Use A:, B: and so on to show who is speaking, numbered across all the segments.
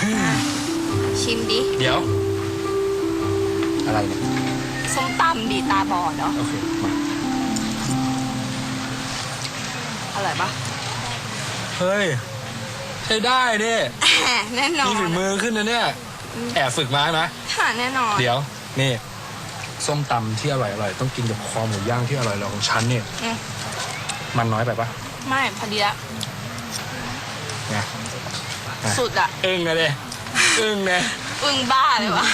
A: ชิมดิ
B: เดี๋ยวอะไรเนี่ย
A: ส้มตำดีตาบอดเนาะ
B: โอเคมา
A: อร่อยปะ
B: เฮ้ยใช้ได้ดิ
A: แน่นอน
B: มีฝีมือขึ้นนะเนี่ยแอบฝึกมาไหม
A: ค่ะแน่นอน
B: เดี๋ยวนี่ส้มตำที่อร่อยต้องกินกับคอหมูย่างที่อร่อยของฉันเนี่ยมันน้อยไปปะ
A: ไม่พอดีละ
B: ไง
A: สุดอะ
B: อึ้งเลยอึ้งเลย
A: อึ้งบ้าเลยวะ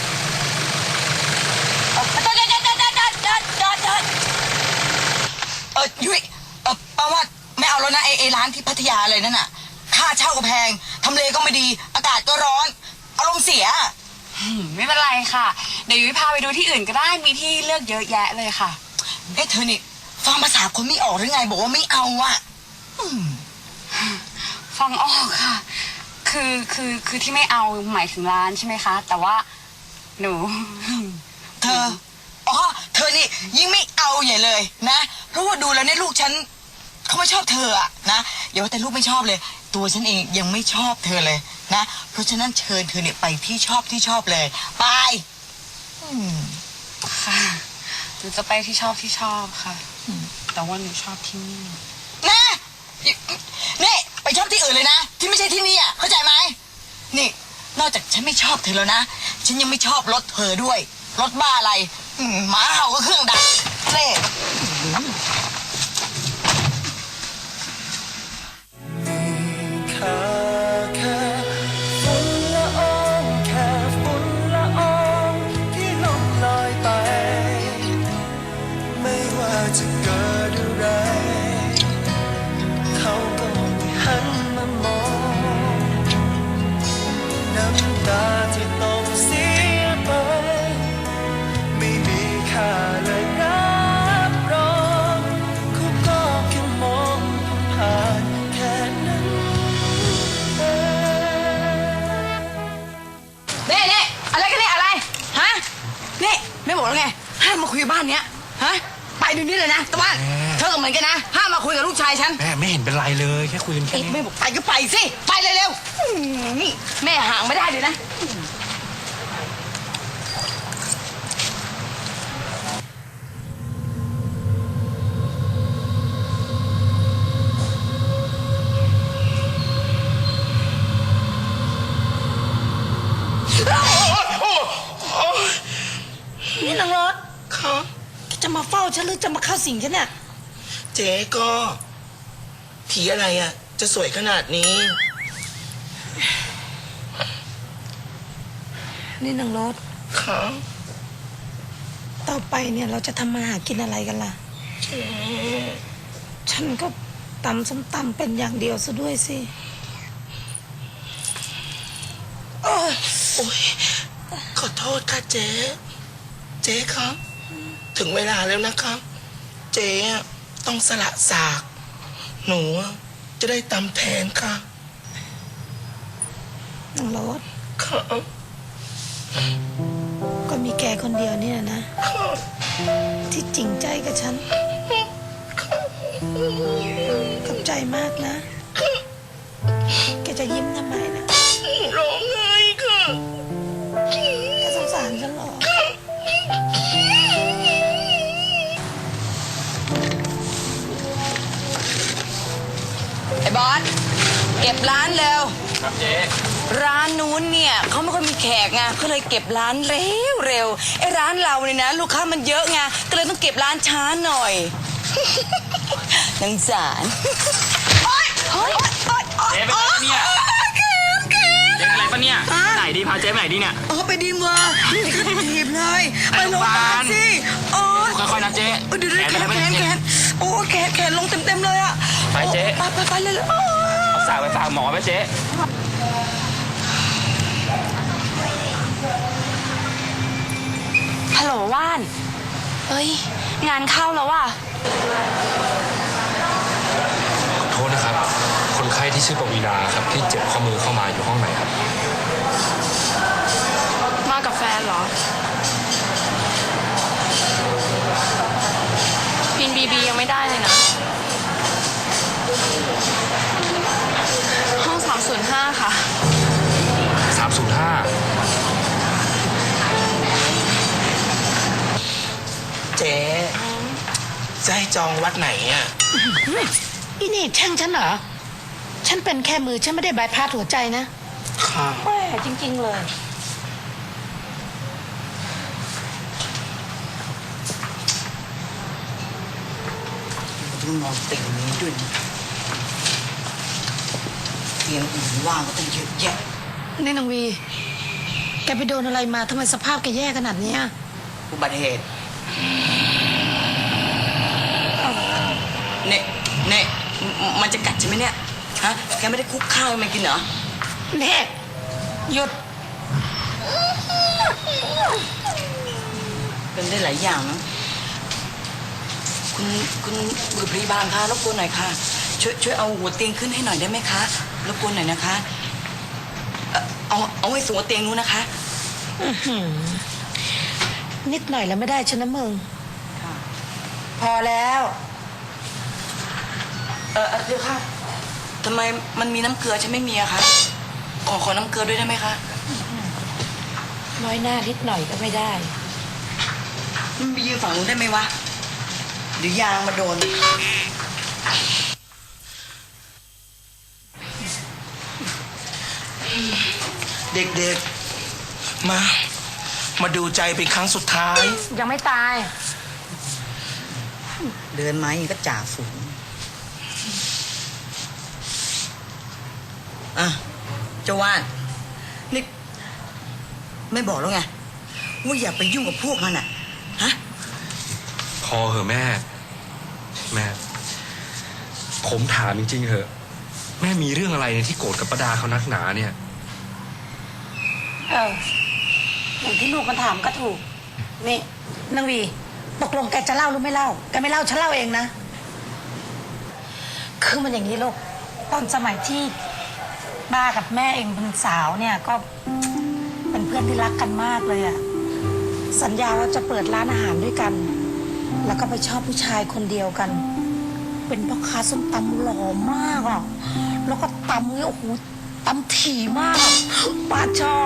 C: ยุ้ยป้าว่าไม่เอาแล้วนะไอ้ร้านที่พัทยาเลยนั่นน่ะค่าเช่าก็แพงทำเลก็ไม่ดีอากาศก็ร้อนอารมณ์เสีย
D: ไม่เป็นไรค่ะ เดี๋ยวยุ้ยพาไปดูที่อื่นก็ได้มีที่เลือกเยอะแยะเลยค่ะ
C: เธอนี่ฟังภาษาคนไม่ออกหรือไงบอกว่าไม่เอาอ่ะ
D: ฟังออกค่ะ คือที่ไม่เอาหมายถึงร้านใช่ไหมคะ แต่ว่าหนู
C: เธอนี่ยิ่งไม่เอาใหญ่เลยนะเพราะว่าดูแล้วเนี่ยลูกฉันเขาไม่ชอบเธออะนะอย่าว่าแต่ลูกไม่ชอบเลย ตัวฉันเองยังไม่ชอบเธอเลยนะเพราะฉะนั้นเชิญเธอเนี่ยไปที่ชอบเลยไป
D: ค่ะหนูจะไปที่ชอบค่ะแต่ว่าหนูชอบที่นี่
C: นะนี่ไปชอบที่อื่นเลยนะที่ไม่ใช่ที่นี่อ่ะเข้าใจไหมนี่นอกจากฉันไม่ชอบเธอแล้วนะฉันยังไม่ชอบรถเธอด้วยรถบ้าอะไรหมาเห่าก็เครื่องดับเล่
E: จะเกิดอะไรเขาก็ไม่หันมามองน้ำตาที่ต้องเสียไปไม่มีค่าเลยรับรองเขาก็แค่มองผ่านแค่นั้นเอง
C: นี่อะไรกันเนี่ยอะไรฮะนี่ไม่บอกแล้วไงห้ามมาคุยบ้านเนี้ยฮะไปเดี๋ยวนี้เลยนะตะวันเธอก็เหมือนกันนะห้ามมาคุยกับลูกชายฉัน
B: แม่ไม่เห็นเป็นไรเลยแค่คุยกันแค่นี้
C: ไม่บอกไปก็ไปสิไปเร็วๆนี่แม่ห่างไม่ได้เลยนะนี่นางรถ
E: ครับ
C: จะมาเฝ้าฉันหรือจะมาเข้าสิงฉันเนี่ย
E: เจ๊ก็ผีอะไรอ่ะ จะสวยขนาดนี้
F: นี่นางรถ
E: ครับ
F: ต่อไปเนี่ยเราจะทำมาหากินอะไรกันล่ะ
E: เจ๊
F: ฉันก็ตำส้มตำเป็นอย่างเดียวซะด้วยสิ
E: โอ้ยขอโทษค่ะเจ๊ เจ๊ครับ ถึงเวลาแล้วนะครับ เจ๊ต้องสละสาก หนูจะได้ตำแทนค่ะ
F: นางรถ
E: ครับ
F: ก็มีแกคนเดียวเนี่ยนะ ที่จริงใจกับฉันขอบใจมากนะ แกจะยิ้มทำไมนะ
E: ร้องไห้ค่ะ
F: แกสงสารฉันเหรอ
C: ไอ้บอสเก็บร้านเร็ว
B: ครับเจ๊
C: ร้านนู้นเนี่ยเขาไม่ค่อยมีแขกไงก็เลยเก็บร้านเร็วไอ้ร้านเราเนี่ยนะลูกค้ามันเยอะไงก็เลยต้องเก็บร้านช้าหน่อย นังสารโอ๊ย
B: เจ๊เป็นไรเนี่ยเจ๊เป็นไรปะเนี่ยไหนดีพาเจ๊ไปไหนดีเนี่ย
C: ไปดีเวอร์ถีบเลยไปโรงพยาบาลสิโอ้
B: ค่อยๆนะเจ๊
C: เดี๋ยวแขนโอ้แขนลงเต็มเลยอ่ะ
B: ไปเจ๊
C: ไปเลย
B: เอาสากไปฝากหมอไปเจ๊
A: ฮัลโหลว่านเอ้ยงานเข้าแล้วว่ะ
B: ขอโทษนะครับคนไข้ที่ชื่อปวีณาครับที่เจ็บข้อมือเข้ามาอยู่ห้องไหนครับ
A: มากับแฟนเหรอพินบียังไม่ได้เลยนะ ห้อง305ค่ะ
E: จองวัดไหนอ่ะ
F: อีนี่แช่งฉันเหรอ ฉันเป็นแค่มือ ฉันไม่ได้บายพาสหัวใจนะ
E: ค่ะ
F: แม่จริง ๆ เลย
C: ต้องนอนติ่งนี้ด้วยนะเตียงอื่นว่างก็ต้องเยอะแยะ
F: นี่นางวี แกไปโดนอะไรมาทำไมสภาพแกแย่ขนาดเนี้ย
C: อุบัติเหตุเนี่ยมันจะกัดใช่ไหมเนี่ย ฮะ แกไม่ได้คุกข้าวให้มันกินเหรอ
F: เน่หยุด
C: เป็นได้หลายอย่างนะคุณบุรุษพยาบาลคะรบกวนหน่อยค่ะ ช่วยเอาหัวเตียงขึ้นให้หน่อยได้ไหมคะรบกวนหน่อยนะคะเอาไว้สูงกว่าเตียงนู้นนะคะ
F: นิดหน่อยแล้วไม่ได้ฉันนะมึง
C: ค่ะ
F: พอแล้ว
C: เดี๋ยวค่ะทำไมมันมีน้ำเกลือฉันไม่มีอะคะขอน้ำเกลือด้วยได้ไหมคะ
F: น้อยหน้านิดหน่อยก็ไม่ได้
C: มันไปยืนฝั่งนู้นได้ไหมวะเดี๋ยวยางมาโดน
E: เด็กๆ มาดูใจเป็นครั้งสุดท้าย
F: ยังไม่ตาย
C: เดินไม้ยังก็จ่าฝูงอ่ะเจ้าว่านนี่ไม่บอกแล้วไงว่าอย่าไปยุ่งกับพวกมันอ่ะฮะ
B: พอเหอะแม่ แม่ ผมถามจริงๆเหอะ แม่มีเรื่องอะไรเนี่ยที่โกรธกับป้าดาเขานักหนาเนี่ย
F: อย่างที่ลูกมันถามก็ถูก นี่นางวี ตกลงแกจะเล่าหรือไม่เล่า แกไม่เล่าฉันเล่าเองนะ คือมันอย่างนี้ลูก ตอนสมัยที่ป้ากับแม่เองเป็นสาวเนี่ยก็เป็นเพื่อนที่รักกันมากเลยอะสัญญาว่าจะเปิดร้านอาหารด้วยกัน แล้วก็ไปชอบผู้ชายคนเดียวกัน เป็นพ่อค้าส้มตำหล่อมากอ่ะ แล้วก็ตำเนี่ยโอ้โหตำถี่มากอะป้าชอบ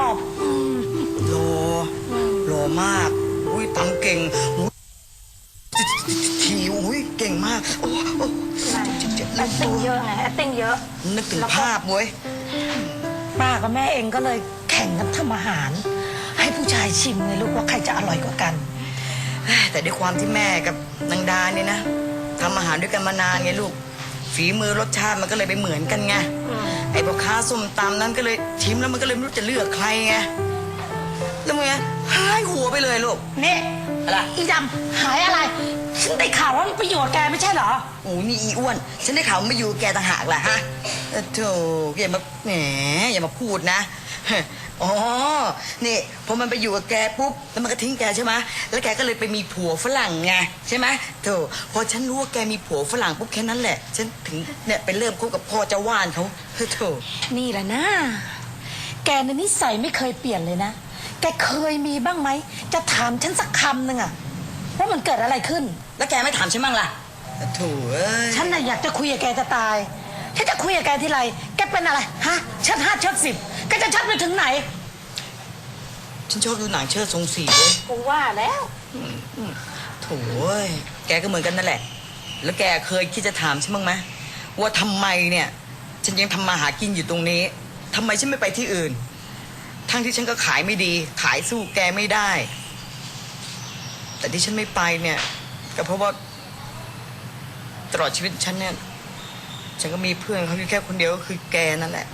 C: โลมากอุ้ยตำเก่งอุ้ยทีอุ้ยเก่งมากโอ้เจ็บ
F: แอคติ้งเยอะไงแอคติ้งเยอะ
C: นึกถึงภาพเว้ย
F: ป้ากับแม่เองก็เลยแข่งกันทำอาหาร ให้ผู้ชายชิมไงลูกว่าใครจะอร่อยกว่ากัน
C: แต่ด้วยความที่แม่กับนางดาเนี่ยนะทำอาหารด้วยกันมานานไงลูก ฝีมือรสชาติมันก็เลยไปเหมือนกันไงไอ้พ่อค้าส้มตำนั้นก็เลยชิมแล้วมันก็เลยไม่รู้จะเลือกใครไงแล้วมึงไงหายหัวไปเลยลูก
F: นี่
C: อะไร
F: อีดำหายอะไร ฉันได้ข่าวว่ามันประโยชน์แกไม่ใช่เหรอ
C: โอ้นี่อีอ้วน ฉันได้ข่าวมาอยู่แกต่างหากแหละฮะโธ่อย่ามาแหมอย่ามาพูดนะอ๋อนี่พอมันไปอยู่กับแกปุ๊บแล้วมันก็ทิ้งแกใช่ไหมแล้วแกก็เลยไปมีผัวฝรั่งไงใช่ไหมโธ่พอฉันรู้ว่าแกมีผัวฝรั่งปุ๊บแค่นั้นแหละฉันถึงเนี่ยไปเริ่มคบกับพ่อเจ้าว่านเขาโธ่
F: นี่แหละนะ แกในนิสัยไม่เคยเปลี่ยนเลยนะ แกเคยมีบ้างไหม จะถามฉันสักคำหนึ่งอะว่ามันเกิดอะไรขึ้น
C: แล้วแกไม่ถามฉันบ้างล่ะโธ่เอ้ย
F: ฉันน่ะอยากจะคุยกับแกจะตาย ถ้าจะคุยกับแกทีไร แกเป็นอะไร ฮะ ชัด5ชัด10แกจะชัดไปถึงไหน
C: ฉันชอบดูหนังเชิดทรงสีเว้ย
F: กูว่าแล้ว
C: โถ่เอ้ยแกก็เหมือนกันนั่นแหละ แล้วแกเคยคิดจะถามฉันบ้างไหมว่าทำไมเนี่ย ฉันยังทำมาหากินอยู่ตรงนี้ทำไมฉันไม่ไปที่อื่น ทั้งที่ฉันก็ขายไม่ดี ขายสู้แกไม่ได้ แต่ที่ฉันไม่ไปเนี่ยก็เพราะว่าตลอดชีวิตฉันเนี่ย ฉันก็มีเพื่อนเขาอยู่แค่คนเดียวก็คือแกนั่นแหละ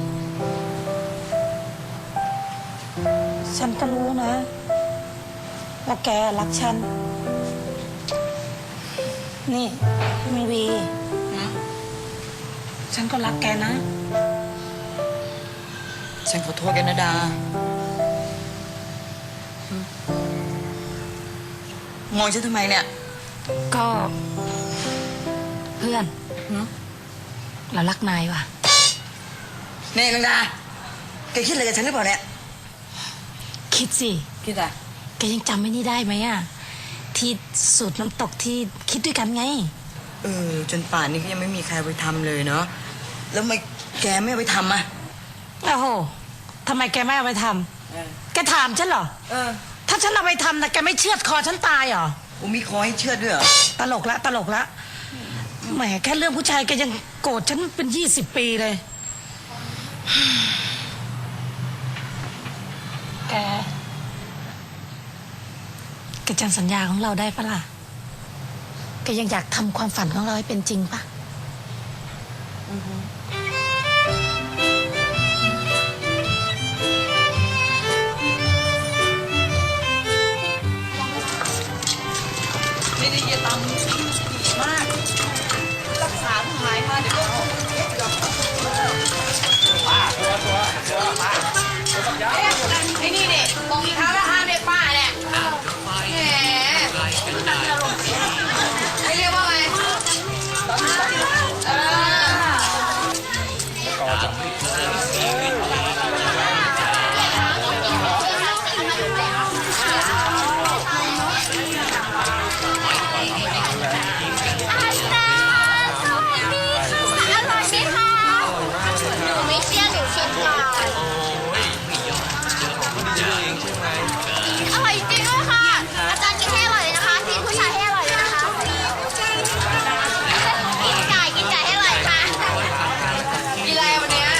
F: ฉันก็รู้นะ ว่าแกรักฉัน นี่มีวี ฉันก็รักแกนะ
C: ฉันขอโทษแกนะดา มองฉันทำไมเนี่ย
F: ก็เพื่อนเรารักนายว่ะ
C: นี่นางดา แกคิดอะไรกับฉันหรือเปล่าเนี่ย
F: คิดสิ
C: คิดอะไร
F: แกยังจำไม่นี่ได้ไหมอะที่สูตรน้ำตกที่คิดด้วยกันไง
C: จนป่านนี้ก็ยังไม่มีใครไปทำเลยเนาะ แล้วทำไมแกไม่เอาไปทำอ่ะ
F: โอ้โหทำไมแกไม่เอาไปทำแกถามฉันเหรอ ถ้าฉันเอาไปทำนะแกไม่เชือดคอฉันตายเหรอ
C: มีคอให้เชื่อดด้วยเหรอ
F: ตลกละตลกละแหมแค่เรื่องผู้ชายแกยังโกรธฉันเป็น20 ปีเลย แกจำสัญญาของเราได้ปะล่ะแกยังอยากทำความฝันของเราให้เป็นจริงปะ
C: ไม่ได้จะตำดีมาก รักษาหายมาเดี๋ยวก็ไอ้นี่เนี่ยมองอีกครั้งละห้าเนี่ยป้าเนี่ยแหมให้เรียกว่าไง
G: อร่อยจริงด้วยค่ะ อาจารย์กินให้อร่อยเลยนะคะทีมผู้ชายให้อร่อยเลยนะคะกินไก่ให้อร่อยค่ะ
C: กินอะไรวันเนี้ย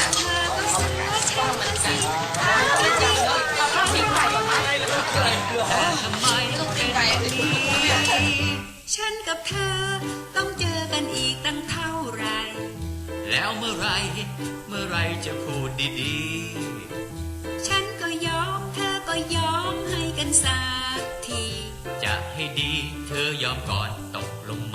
H: ฉันกับเธอต้องเจอกันอีกตั้งเท่าไร แล้วเมื่อไรจะพูดดีๆ ฉันก็ยอมเธอก็ยอมให้กันสักที จะให้ดีเธอยอมก่อนตกลงไหม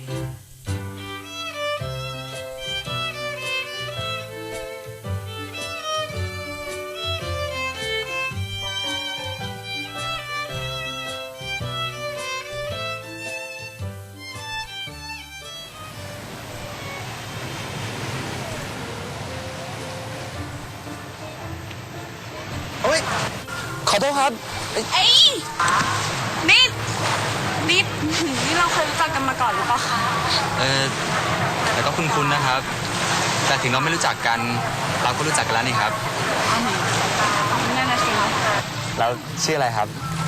B: เฮ้ย ขอโทษครับ
D: นี่เราเคยรู้จักกันมาก่อนหรือเปล่าคะ
I: แต่ก็คุ้นๆนะครับ แต่ถึงเราไม่รู้จักกัน เราก็รู้จักกันแล้วนี่ครับ
D: นั่นน่ะสิ
I: แล้วชื่ออะไรครับ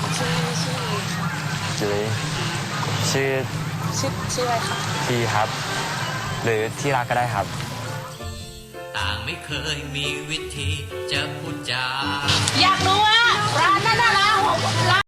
I: จุ๋ยชื่ออะไรครับทีครับ หรือที่รักก็ได้ครับ
H: ต่างไม่เคยมีวิธีจะพูดจา
F: อยากรู้ว่าร้านนั้นน่ะร้าน